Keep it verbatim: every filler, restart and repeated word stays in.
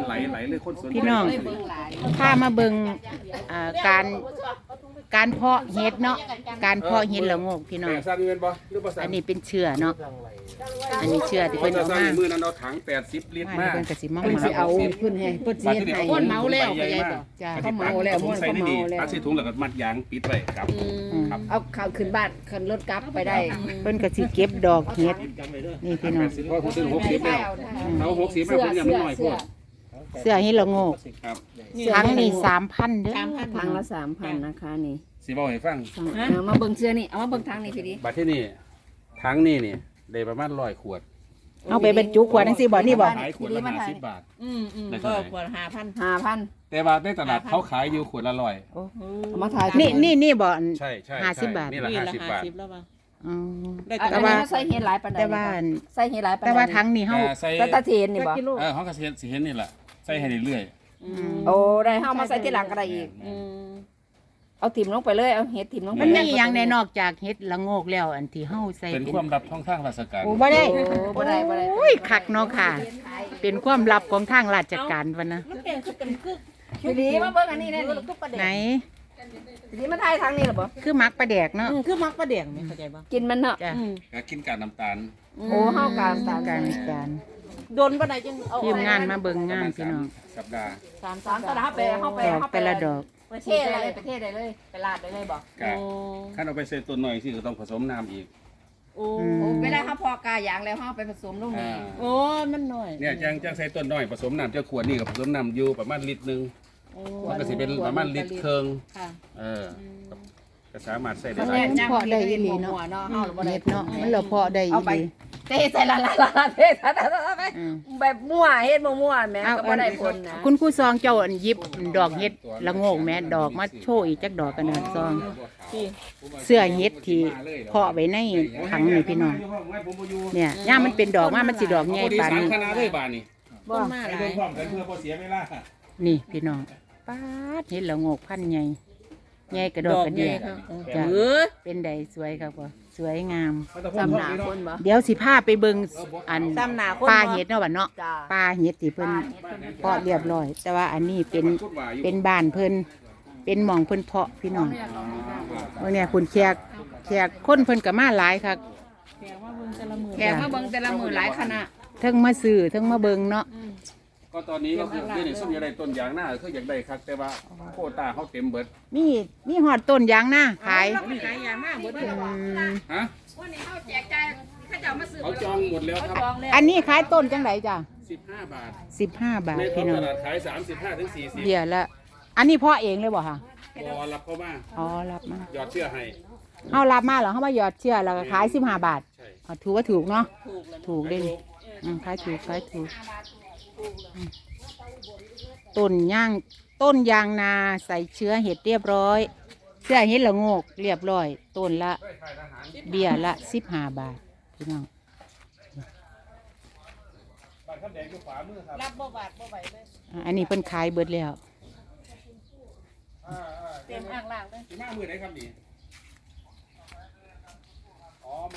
ไหลไหลเลยคนสนพี่น้องพามาเบิ่งอ่าการการเพาะเห็ดเนาะการเพาะเห็ดละโงกพี่น้องแปลงสั้นเงินบ่หรือบ่สั้นอันนี้เป็นเชื้อเนาะอันนี้เชื้อที่คเพิ่นนจะเอาสร้างมามือนั้นเอาถังแปดสิบลิตรมามาเพิ่นก็สิมาเพิ่นหสิมักเอาเพิ่นให้เพิ่นสิเฮ็ดให้คนเมาแล้วไปยัยบ่จ้าเขาเมาแล้วม่วนเขาเมาแล้วตัดใส่ถุงแล้วก็มัดยางปิดไว้ครับครับเอาข้าวขึ้นบ้านขึ้นรถกลับไปได้เพิ่นก็สิเก็บดอกเห็ดนี่พี่น้องเพราะผมซื้อหกสิบแล้วเอาหกสิบมาผมยังไม่น้อยพวกเสื้อเห็ดละโงกครับทั้งนี่สามพันเด้อทางละสามพันนะคะนี่สิบอกให้ฟังเอามาเบิ่งเสื้อนี่เอามาเบิ่งทางนี่พี่ดิบัดที่นี่ทั้งนี่นี่ได้ประมาณร้อยขวดเอาไปบรรจุขวดจังซี่บ่นี่บ่ขายขวดละห้าสิบบาทอืมอืมได้ก็เท่าไหร่ขวดห้าพันห้าพันแต่ว่าในตลาดเขาขายอยู่ขวดละร้อยเอามาถ่ายนี่นี่นี่บ่อันใช่ใช่ห้าสิบบาทนี่ละนี่ห้าละสิบห้าบาทสิบแล้วป่ะอ๋อได้อันแต่นี้ว่าใส่เฮ็ดหลายปานใดแต่ว่าใส่เฮ็ดหลายปานใดแต่ว่าทั้งนี่เฮาแต่ใส่แต่ตะเทนนี่บ่เออเขาก็สิเห็นสิเห็นนี่แหละใส่ให้เรื่อยโอ้ได้เฮามาใส่ที่หลังก็ได้อีกอืมเอาถิ่มลงไปเลยเอาเฮ็ดถิ่มลงไปมันเลมียอย่างในนอกจากเห็ดละโงกแล้วอันที่เฮาใส่ๆเป็นเป็นความลับท้องทางราชการโอ้บ่ได้โอ้บ่ได้บ่ได้โอ้ยคักเนาะค่ะ เป็นความลับของทางราชการวะนะมันเป็นคือเป็นคือพี่ดิมาเบิ่งอันนี้แน่นี่ไหนพี่ดิมาถ่ายทางนี้เหรอบ่คือมักปลาแดกเนาะอืมคือมักประเดียงไหมเข้าใจป่ะกินมันเนาะจ้ะอืมก็กินกากน้ำตาลโอ้เฮาการตามการการโดนปานใดจังเอาทีมงานมาเบิ่งงานพี่น้องสัปดาห์สามสามตลาดไปเฮาไปดอกเฮาไปแต่ละดอกประเทศอะไรประเทศใดเลยไปลาดได้เลยบ่กะขั้นเอาไปใส่ต้นหน่อยสิก็ต้องผสมน้ำอีกโอ้อืมโอ้เวลาเฮาพอกายางแล้วเฮาไปผสมลงอ่านี่โอ้มันหน่อยเนี่ยจังจังใส่ต้นหน่อยผสมน้ำเจ้าขวดนี่กับผสมน้ำอยู่ประมาณลิตรหนึงโอ้มันก็สิเป็นประมาณลิตรครึ่งค่ะเออก็สามารถใส่ได้มันหลาแน่ยจังมันได้อีหลีเนาะเนาะเฮาบ่ได้เห็ดเนาะมันเราเพาะได้อีเอาไปหลีเทใส่ละละละเทใส่ละไปอืมแบบมั่วเฮ็ดมั่วๆแม่เอาก็บ่ได้ผลนะคุณครูซองเจ้าอันหยิบดอกเห็ดละโงกแม่ดอกมาโชว์อีกจักดอกกันนะซองที่เสื้อเห็ดที่เพาะไว้ในถังนี่พี่น้องเนี่ยย่ามมันเป็นดอกมามันสิดอกใหญ่ปานสามนี้คณะเลยบาทนี่ต้นมาหลายเพิ่มความกันเพื่อพอเสียเวลานี่พี่น้องป๊าดเห็ดละโงกพันใหญ่ใหญ่กระดอกกระเดียครับจ้ะเออเป็นใดสวยครับพ่อสวยงามตำหนาคนบ่เดี๋ยวสิพาไปเบิ่งอันตามหนาคนปลาบ่เห็ดเนาะบัดเนาะจ้าปลาเห็ดที่เพิ่นเพาะเรียบร้อย แต่ว่าอันนี้เป็นเป็นบ้านเพิ่นเป็นหม่องเพิ่นเพาะพี่น้องว่าเนี่ยคุณแขกแขกคนเพิ่นก็มาหลายคักแกว่าเบิ่งแต่ละมือแกมาเบิ่งแต่ละมื้อหลายคณะเทั้งมาซื้อเทั้งมาเบิ่งเนาะก็ตอนนี้ก็คือที่นี่ส้มอยากได้ต้นยางหน้าคืออยากได้ครับแต่ว่าโควต้าเขาเต็มเบิดมีมีหอดต้นยางนาขายเราไม่ขายยามากเบิดเลยอืมฮะวันนี้เฮาแจกจ่ายเขาจะเอามาซื้อเขาจองหมดแล้วครับจองแล้วอันนี้ขายต้นจังไดจ้ะสิบห้าบาทสิบห้าบาทในท้อพี่งน้อตงลาดขายสามสิบห้าถึงสี่สิบเดี๋ยวละอันนี้พ่อเองเลยบ่ค่ะพอรับเข้ามาอ๋อรับมาหยอดเชื่อให้เฮารับมาเหรอเฮามาหยอดเชื่อแล้วก็ขายสิบห้าบาทใช่อ๋อถือว่าถูกเนาะถูกแล้วถูกเด้นี่อืมขายถูกขายถูกอืมต้นย่างต้นยางนาใส่เชื้อเห็ดเรียบร้อย เสื้อเห็ดละโงกเรียบร้อย ต้นละเบี้ยละสิบห้าบาทพี่น้องบ้านคำแดงอยู่ขวามือครับรับบ่บาทบ่ไหวเลยอ่ะอันนี้เพิ่นขายเบิดแล้วอ่าอ่าเต็มอ่างล่างเลยอยู่หน้ามือไหนครับนี่